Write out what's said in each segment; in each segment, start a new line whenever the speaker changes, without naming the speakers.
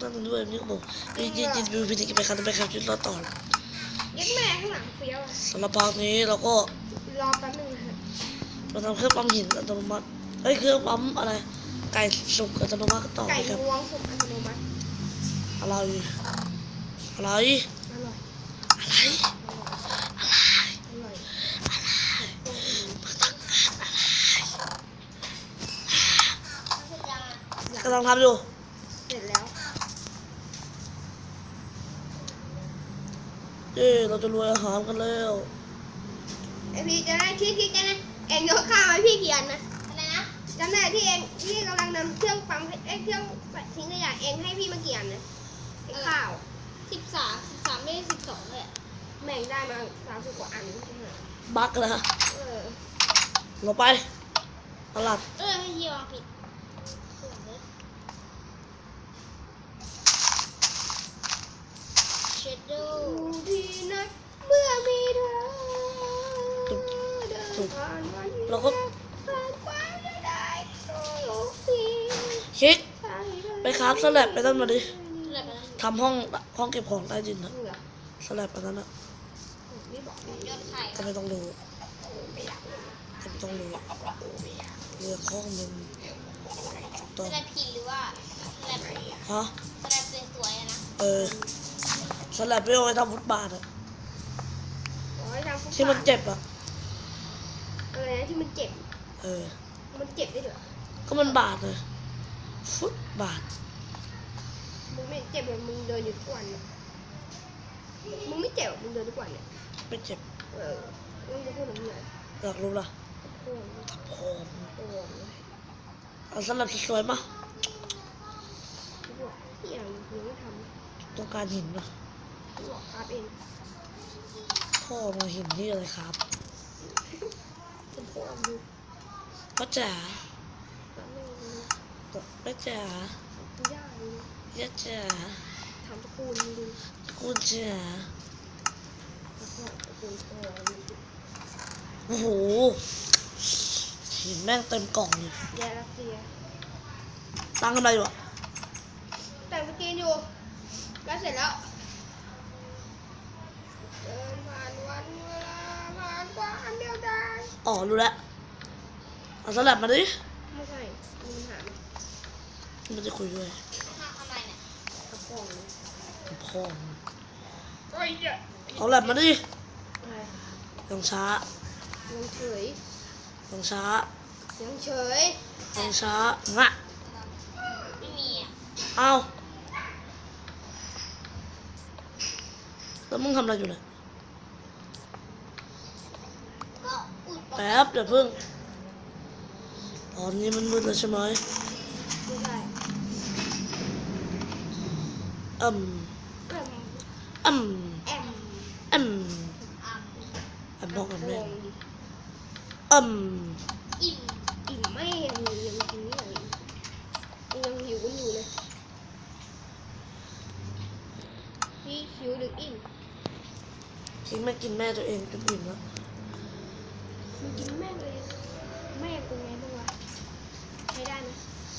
นั่นด้วยนี่ก็บอกยินวิวพิธีกิจไปครับไปครับจุดรอต่อ
ยัดแม่ข้างหลังเฟี้ยว
สำหรับภาคนี้เราก็
รอแป๊บนึงค่ะ
มาทำเครื่องปั๊มหินอัตโนมัติเครื่องปั๊มอะไรไก่สุกอัตโนมัติต่อไปครับ
ไก่งวงสุกอัตโนมัติ
อะไรอะไร
อร่อย
อะไร
อร่อย
กำลังทำอยู่
เสร็จแล้ว
เราจะรวยอาหารกันแล้ว
ไอพี่จะได้ที่จะได้เองยกข้าวให้พี่เขียนนะอะไรนะจำได้ที่เองที่กำลังนำเครื่องปั๊มเครื่องทิ้งขยะเองให้พี่มาเขียนนะข้าว13ไม่ได้12เลยแม่งได้มา30กว่าอัน
บักนะเราไปตลาด
ให้เฮียวางผิดเชดโดที่นัดเมื่อมีเธอ
เราก็คิดไปคราฟสลับไปตั้งมาดิทำห้องเก็บของใต้ดินนะสลับอันนั้นนะก็ไม่ต้องรู้ก็ไม่ต้องรู้เรือข้องมัน
สลับผิดหรือว่าสลับ
ฮะ
สลับสวยๆนะ
สลับไปเอาไว้ทำฟุตบาทอะที่มันเจ็บอะ
อะไรนะที่มันเจ็บมันเจ็บได้เหรอ
ก็มันบาดเลยฟุตบาท
มึงไม่เจ็บเลยมึงเดินอยู่ทุกวันเนี่ยมึงไม่เจ็บมึงเดินทุกวันเนี่ย
ไม่เจ็บ
มึงจะพูดอะไร
อยากรู้ล่ะทับโคมเอาสลับสวยๆมา
อย่างยังไม่ท
ำต้องการหินนะ
บอกครับเอง
พ่อมาหินนี่อะไรครับ
เป็นพ่อดู
ป้าจ๋าป้าจ๋าย่าจ๋า
ทำตะกูลดู
ตะกูลจ๋าโอ้โหหินแม่งเต็มกล่องเลย
ยารัสเซีย
ตั้งทำอะไรอยู่อะ
แต่งสกินอยู่แล้วเสร็จแล้วเดินผ่านวันเวลาผ่านกว่าอันเดียวได้
รู้แล้วเอาสลับมาดิ
ไม่ใช่มีปัญหา
มันจะคุยด้วย
ทำอะไรเนี่ย
กับพ่อ
เอาสลับมาดิยังช้า
ยังเฉย
ยังช้า
ยังเฉย
ยังช้างะ
ไม่มี
เอาแล้วมึงทำอะไรอยู่เนี่ยแป๊บเดี๋ยวพึ่งตอนนี้มันมืดแล้วใช่ไหม
ไม่ได้
บอกกับแม่
อิ่มไม่ยังกินนี่เลยยังหิวกันอยู่เลยพี่หิวหรืออิ่ม
ทิ้งไม่กินแม่ตัวเองจนอิ่มแล้ว
มันกินแม่ตัวเองแม่เป็นไงบ้างวะใช้ได้ไหม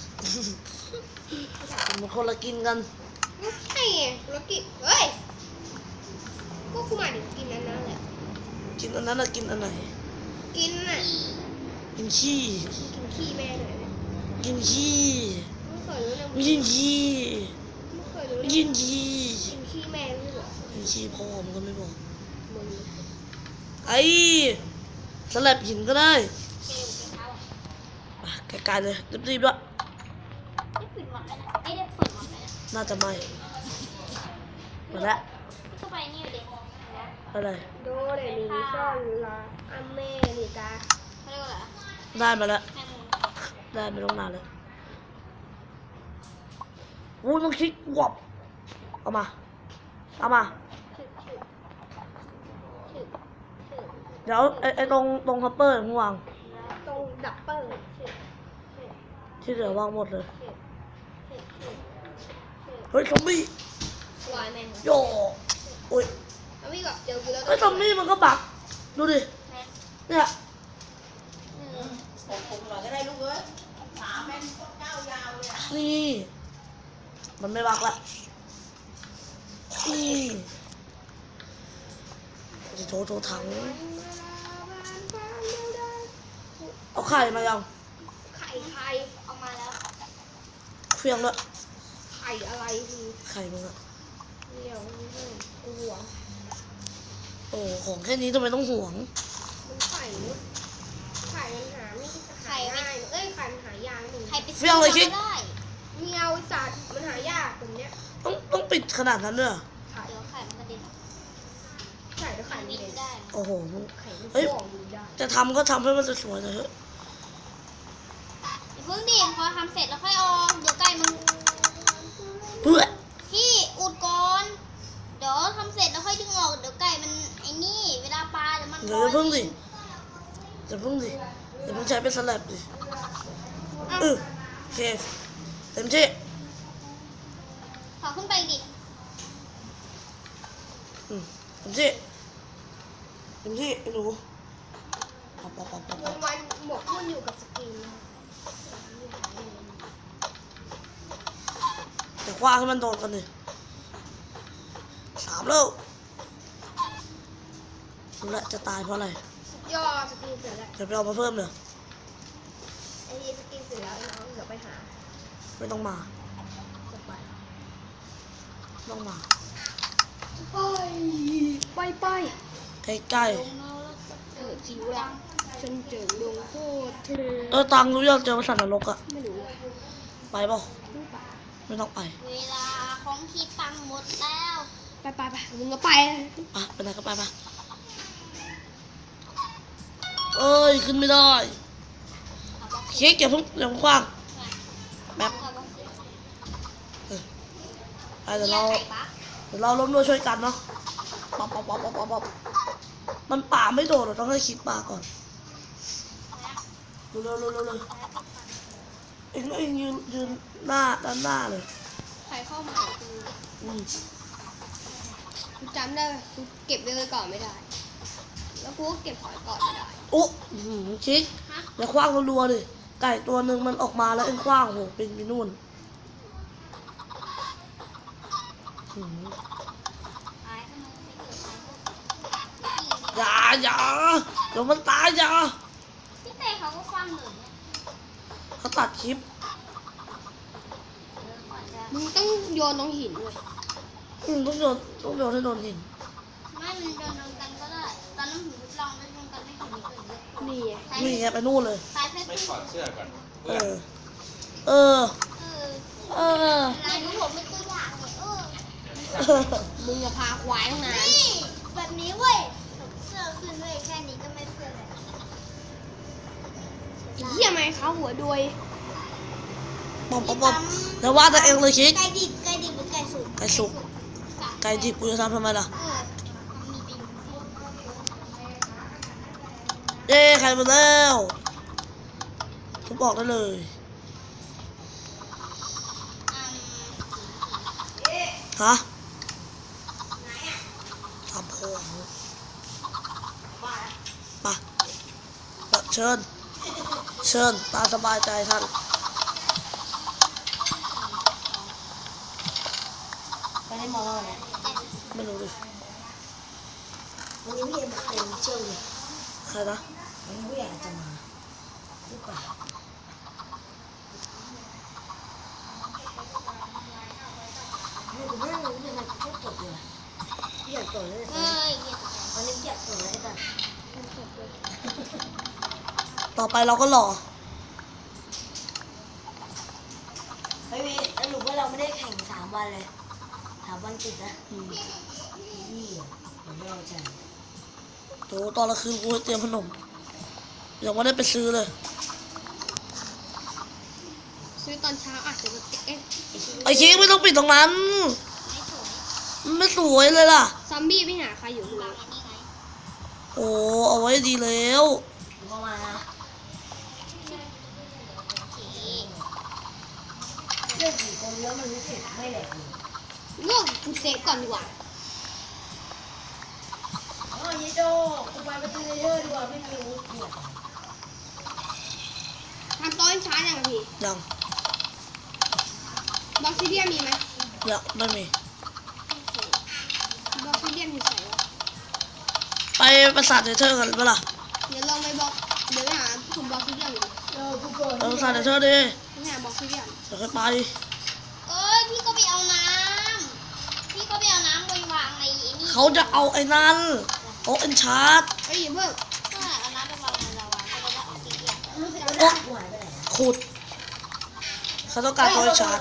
มันคนละกินกัน
ไม่ใช่ไงคนละกินเฮ้ยก็กูมาถึงกินอันนั้นแหละ
กินอันนั้นกินอันไหน
กินน่ะ
กินขี้
กินขี้แม่เลย
กินขี้
ไม่เคยรู้นะ
กินขี้
ไม่เคยรู้
กินขี้
กินขี้แม่ไม่บอก
กินขี้พ่อมันก็ไม่บอก
มึง
สลับหินก็ได้ไกลๆเลยรีบๆด้วยน่าจะไม่มาแล้วอะไร
โดเรมีซ่อนลาอเมริกา
ได้มาแล้วได้ไม่ต้องนานเลยวู้ต้องคิดวับเอามาเดี๋ยวไอ้ตรงคัพเปอร์มึงวาง
ตรงดับเปอร์
ที่เหลือวางหมดเลยเฮ้ยซอมบี้โย่โอ้ยเฮ้ยซอมบี้มันก็บักดูดิเนี่ย
ผมหน่อยก็ได้ลูกเอ้ยขาแม่งก้าวยาวเลย
นี่มันไม่บักละโถถังเอาไข่มายัง
ไข่
เอามาแล้ว
เฟียงด้วย
ไข่อะไรคือ
ไข่มึงอะ
เดี๋ยวกูหวง
โอ้ของแค่นี้ทำไมต้องห่วง
มันไข่มันหาไม่หาง่ายเอ้ยไข่มันหายากหนึ่ง
ใครไปซื้อมาก็ได้
เมียวสัตว์มันหายากแบบเนี้ย
ต้องปิดขนาดนั้นด้วยเหรอ
ไข่
เดี๋ยวไข่มันกระเด็น
ไข่แล้วไข่
บิ
ไม่
น
ได้
ได้
โอ้โหมึง
ไข่ไม่
เฮ้ย
ฟองดูได้
จะทำก็ทำให้มันสวยๆหน่อยเถอะ
อย่าเพิ่งดิพอทำเสร็จแล้วค่อยออกเดี๋ยวไก่มัน
เฮ้ย
พี่อุดก่อนเดี๋ยวทำเสร็จแล้วค่อยดึงออกเดี๋ยวไก่มันไอ้นี่เวลาปลาเดี๋ยวมัน
เดี๋ยวอย่าเพิ่งดิอย่าเพิ่งดิอย่าเพิ่งใช้เป็นสลับดิโอเคเต็มที่
ขอขึ้นไปดิ
เต็มที่ไอ้หนูปับ
วันหมกมุ่นอยู่กับสกินนะ
แต่คว้างให้มันโดนกันดิ3แล้วรู้ละจะตายเพราะอะไร
ย่อสกินเสร็จแล้ว
เดี๋ยวไปเอามาเพิ่มเลย
ไอ้นี่สกินเสร็จแล้วไอ้น้องเดี๋ยวไปหา
ไม่ต้องมา
จะไป
ไม่ต้องมา
ไป
ใกล้
ลงแล้วก็เจอ
จิ๋วละฉันเจอลงโคตรเท
ๆตังรู้ยังเจอพระสันนรกอะ
ไม่รู้
ไปเปล่าไม่ต้องไป
เวลาของที่ปังหมดแล้ว
ไปมึงก็ไป
ไปไหนก็ไปเอ้ยขึ้นไม่ได้
เอาบล็อก
เค้กอย่าเพิ่งคว้าง
แบบ
ไปเดี๋ยว
ไก่
เรา
บัก
ล้มด้วยช่วยกันเนาะป๊อบมันป่าไม่โดดเราต้องให้คิดป่าก่อนเร็วเอ็งยืนด้านหน้าเลย
ใครเข้ามากู
อืม
กูจำได้กูเก็บไว้ก่อนไม่ได้ แล้วกูก็เก็บหอยก่อนไม่ได้
โอ้คิกอย่าคว้างรัวๆดิไก่ตัวหนึ่งมันออกมาแล้วเอ็งคว้างโหเป็นไปนู่น
ตายข้างในไม่เกิดตาย
อย่าเดี๋ยวมันตายอย่า
พี่เต้เขาก็คว้างหนึ่งเนี่ย
เขาตัดคลิป
ก่อนจะ
มึงต้องโยนลงหินเลย
ต้องโยนให้โดนหิน
ไม่มันโดนกันก็ได้ตอนนั้นผมทดลองแล้วโดนกันไม่ถึงเกิดเยอะ
นี่ไง
นี่ไงไปนู่นเลย
ตายแค่
ไม่ถอดเสื้อก่อน
เอ
เพื่อน
อ
เออไหนดูผมเป็นตัวอย่างเนี่ย
มึงจะพาควายทั้งนั้น
นี่แบบนี้เว้ยเสื้อขึ้นเว้ยแค่นี้ก็ไม่เพื่อนเลย
เหี้ยไหมเขาหัวดวย
ป๊อบเดี๋ยวว่าแต่เองเลยคิก
ไก่ดิบหรือไก่สุก
ไก่สุก ไก่ดิบกูจะทำไมล่ะ
มีดิบ
เย้ไข่หมดแล้วทุบบอกได้เลย ฮะทำโพงมาเชิญตามสบายใจท่านไปได้มองอะไรไม่รู้ดิวันนี้พี่เอ็มเต็มเชื่อเลยใครนะวันนี้พี่อยากจะมาหรือเปล่าไม่รู้ไม่รู้ยังไงก็ตกเลยพี่อยากตกเลย
เฮ้ย
วันนี้อยากตกเลยแต่ต่อไปเราก็หล่อเฮ้ยสรุปว่าเราไม่ได้แข่ง3 วันเลย3 วันติดนะนี่ผมไม่เอาใจโถตอนละคืนกูเตรียมขนมยังไม่ได้ไปซื้อเลย
ซื้อตอนเช้าอาจจะเอ๊ะ
ไอ้เค้กไม่ต้องปิดตรงนั้น
ไม่สวย
มันไม่สวยเลยล่ะ
ซอมบี้ไปหาใครอยู่
บา
ข้าง ง
อันนี้ไง
โอ้เอาไว้ดีแล้วเข้ามานะ
โอเค
เล่นกี่คนแล้วมันรู้สึกไม่แหลกเลย
เลือกกูเซฟก่อนดีกว่า
อ๋อยี่โจกูไปประตูเลเยอร์ดีกว่าไม่มีอาวุธเนี่ย
ทำโต๊ะช้าอย่างพี่
ยัง
บล็อกซิเดียมีไหม
มเดี๋ยวไม่มี
บล็อกซิเดียนอยู่ไหนวะ
ไปปราสาทเนเธอร์กันเปะล่า
เดี๋ยวลองไปบล็อกเดี๋ยวไปหาผมบล็อกซิเดียนอยู่
ไปปราสาทเนเธอร์ดิ
ไปหาบล็อกซิเดียน
เดี๋ยวค่อยไป
เอ้ยพี่ก็ไปเอาน้ำพี่ก็ไปเอาน้ำไปวางในไอ้นี่
เขาจะเอาไอ้นั่นโต๊ะเอ็นชาร์ด
เอ้ยอย่าเพิ่ง
ก็เอาน้ำไปวางในลาวาก็จะได้ออกซิเดียน
โอ๊ะขุดเขาต้องการโต๊ะเอ็นชาร์ด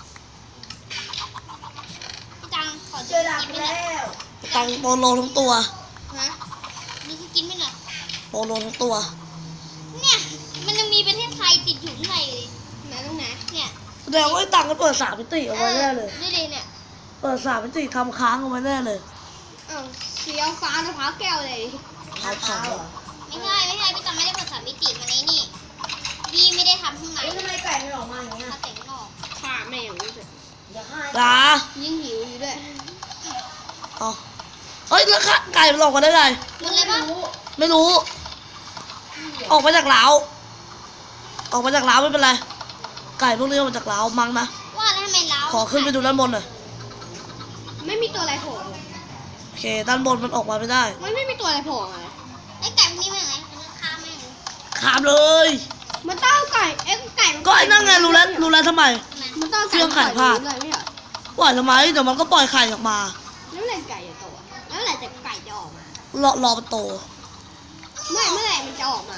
พี่ตังขอ
เจ
ซื้
อ
อ
ดาบ
กิน
แล้
ไม่หน่อยว
ตังโปโลทั้งตัว
ฮะ
นี่คือกินไม่หน่อย
โปโลทั้งตัว
เนี่ยมันยังมีประเทศไทยติดอยู่ข้างในเลย
ไหนตรงไหน
เนี่ย
แสดงว่าไอ้ตังก็เปิด3 มิติเอาไว้แน่เลย
ดูดิเนี่ย
เปิด3 มิติทำค้างเอาไว้แน่เลย
อ้าวสีฟ้ามะพร้าวแก้วเลย
เอาเผา
ไม่ใช่พี่ตังไม่ได้เปิด3 มิติมาในนี่พี่ไม่ได้ทำข้างใน
ทำไมไก่ไม่ออกมาอย่างเงี้ย
มาแต่งนอก
ข่าแม่งรู้สึก
ลา
ยิ่งหิวอยู่ด้วย
อ๋อเฮ้ยแล้วค่ะไก่มันออกมาได้ไง
หมดเลยปะ
ไม่รู้ ออกมาจากเล้าออกมาจากเล้าไม่เป็นไร ไก่พวกนี้ออกมาจากเล้ามั้งนะ
ว่าแล้วทำไมเรา
ขอขึ้นไปดูด้านบนหน่อย
ไม่มีตัวอะไรโผล่
โอเค ด้านบนมันออกมาไม่ได้
มันไม่มีตัวอะไรโผล่มาเลย
ไอ้ไก่พวกนี้มันยังไงมันฆ่าแม่ง
ขามเลย
มันต้องเอาไก่ไก่มัน
ก็ไอ้นั่นไงรู้แล้วทำไม
มันต้อง
เครื่องขายผ้า
เลยไม่เหรอ
ปล่อยทำไมเดี๋ยวมันก็ปล่อยไข่ออกมา
แล้วเมื่อไหร่ไก่จะโตอะแล้วเมื่อไหร่จะไก่จะออกมา
รอมันโต
เมื่อไหร่มันจะออกมา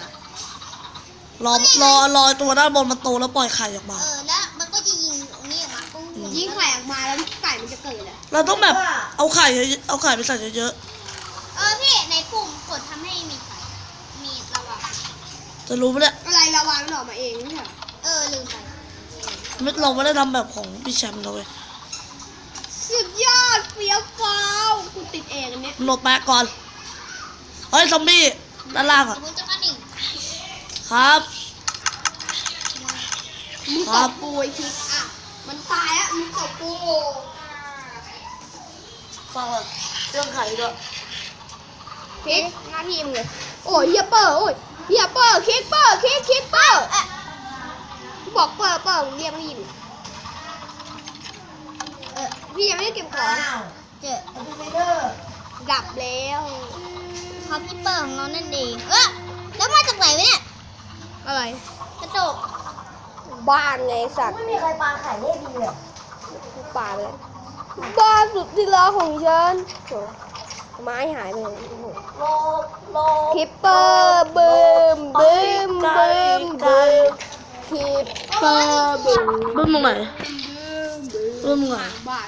รอตัวด้านบนมันโตแล้วปล่อยไข่ออกมา
แล้วมันก็จะยิงตรงนี้ออกมาปุ้ง
ยิงไข่ออกมาแล้วไก่มันจะเกิดเลย
เราต้องแบบเอาไข่ไปใส่เยอะ
พี่ในปุ่มกดทำให้มีไฟมีระวัง
ๆจะรู้ไหมเนี่ย
อะไรระวังมันออกมาเองไม่ใช่เหรอ
ลืมไป
เราไม่ได้ทำแบบของพี่แชมป์นะเว้ย
สุดยอดเฟี้ยวฟ้าวกูติดเองอันเนี้ย
โหลดแปะก่อน เฮ้ยซอมบี้ด้านล่าง
ส
อ่ะ
มมติจะกระดิ่ง
ครับ
มึง
ครั
ต
บ
บปูไอ้คิดอ่ะมันตายอ่ะมึงตบปู
ฟังก่อนเรื่องไข่ด้วย
คิดหน้าที่มึงเลยโอ้ยเฮียเปอร์โอ้ยเฮียเปอร์คิดเปอร์คิดเปอร์บอกเปอร์มึงเรียกไม่ได้ยินพี่ยังไม่ได้เก็บของ
เจอ
ดับแล้ว
เขาพี่เปิดของเรานั่นเองแล้วมาจากไหนวะเนี่ย
อะไร
กระจก
บ้านไงสัตว์
ไม่มีใครปาไข่ได้ดีเลย
กูป่าไปเลยบ้านสุดที่รักของฉันโถ่ไม้หายไปเลย
รอ
คิปเปอร์บึมบึมบึมบึมคิปเปอร์บึม
บึ้มตรงไหนบึ้มตรงไหน
บ้าน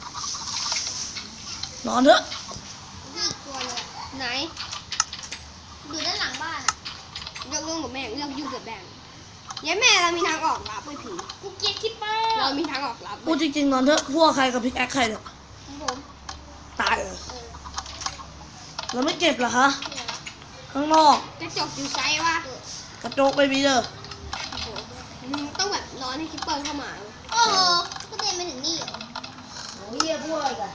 นอนเถอะ
พี่กลัวเลย
ไหน
อยู่ด้านหลังบ้าน
เรื่องกับแม่เรื่องยุ่งกับแบงยัยแม่เรามีทางออกลับไปผี
กูเกลียดคิปเปอร์
เรามีทางออกลับ
พูดจริงๆนอนเถอะพวกใครกับพิกแอคใครเนี่ย
ของผม
ตายเลยแล้วไม่เก็บเหรอคะข้างนอก
กระจกอยู่ไซวะ
กระจกไม่มีเด้อ
โอ้โหมึงต้องแบบนอนให้คิปเปอร์เข้ามา
ก็เดินมาถึงนี่เหรอ
โอ้ยพวกอะไรกัน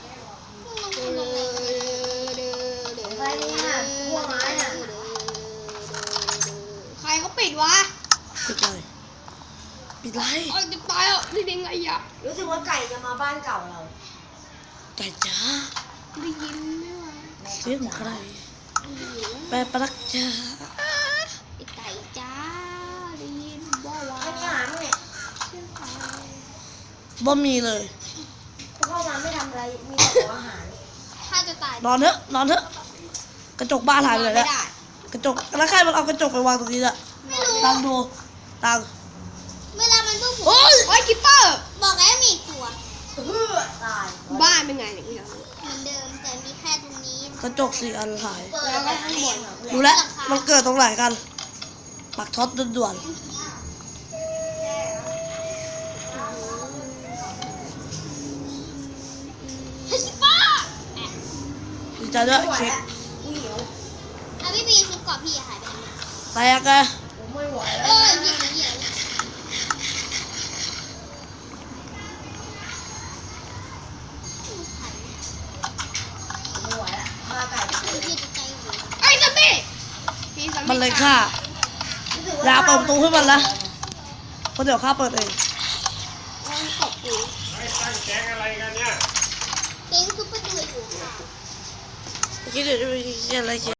ใครเนี่ยพวกไม้น่ะใครเขาปิดวะ
ปิดไรปิดไร
เอ้ยจะตายอ่ะนี่เป็นไงอ่ะ
รู้สึกว่าไก่จะมาบ้านเก่าเราไก่จ้า
ได้ยินไหมวะ
เสียงใครแปลประลักจ้า
ไอ้ไก่จ้าได้ยินบ่าวะ
บ่มีเลย
เข้ามาไม่ทำอะไร มีแต่ของอาหาร
ถ้าจะตาย
นอนเถอะนอนเถอะกระจกบ้านหายไปไหน
ไม่
แล้ว
ได้
กระจกแล้วใครมันเอากระจกไปวางตรงนี้อะ
ไม่รู้
ตังดูตัง
เวลามันปุ๊บผม
โอ้ย
โอ้ยคิปเปอร์
บอกแล้วมีอีกตัว
ตาย
บ้านเป็นไงเนี่ย
เหมือนเดิมแต่มีแค่ตรงนี้
กระจก4 อันหาย
แล้วก็ข้างบน
รู้แล้วมันเกิดตรงไหนกันปักช็อตด่วน
เฮ้ยคิปเปอร์
ๆดีใจด้วยเช็ค
พี่ปีชุดเกาะพี่หายไปไหน
แตกไง
ผมไม่ไหว
เอ
แล้ว
อเหยียบ
ผมไม่ไหวแล้วมาไก่
พี่จะใจอยู่
ไอ้ซัมบี้พี่ซัมบี้
มันเลยฆ่าอย่าเปิดประตูให้มันนะเพราะเดี๋ยวข้าเปิดเอง
มันตบกู
ไอ้ตั้งแก๊งอะไรกัน
คิดเดี๋ยวจะไปเขียนอะไรเขียน